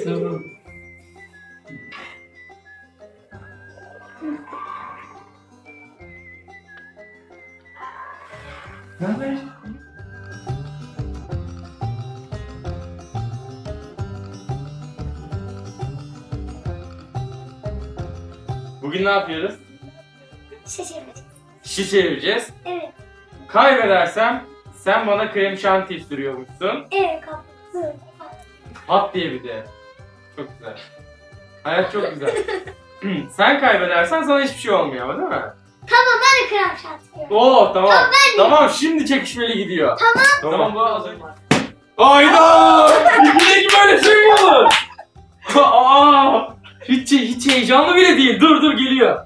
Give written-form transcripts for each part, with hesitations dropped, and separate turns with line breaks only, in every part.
Tamam. Ne haber? Bugün ne yapıyoruz?
Şaşırmayacağız.
Şişe çevireceğiz.
Evet.
Kaybedersem sen bana krem şanti sürüyormuşsun.
Evet kapı.
Pat diye bir de. Çok güzel. Hayat çok güzel. Sen kaybedersen sana hiçbir şey olmuyor ama değil mi?
Tamam ben de krem şanti yiyorum.
Oo tamam.
Tamam, ben de.
Tamam şimdi çekişmeli gidiyor.
Tamam.
Bu az önce. Hayda! Yine böyle şey mi olur? Aa! Hiç heyecanlı bile değil. Dur geliyor.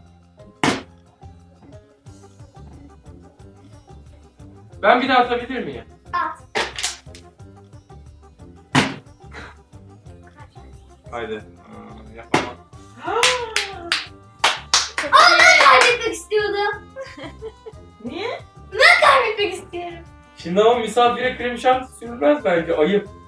Ben bir daha atabilir miyim?
At.
Haydi. Yapamam.
Aa ben kaybetmek istiyordum.
Niye?
Ben kaybetmek istiyorum.
Şimdi ama misafire krem şanti sürülmez bence. Ayıp.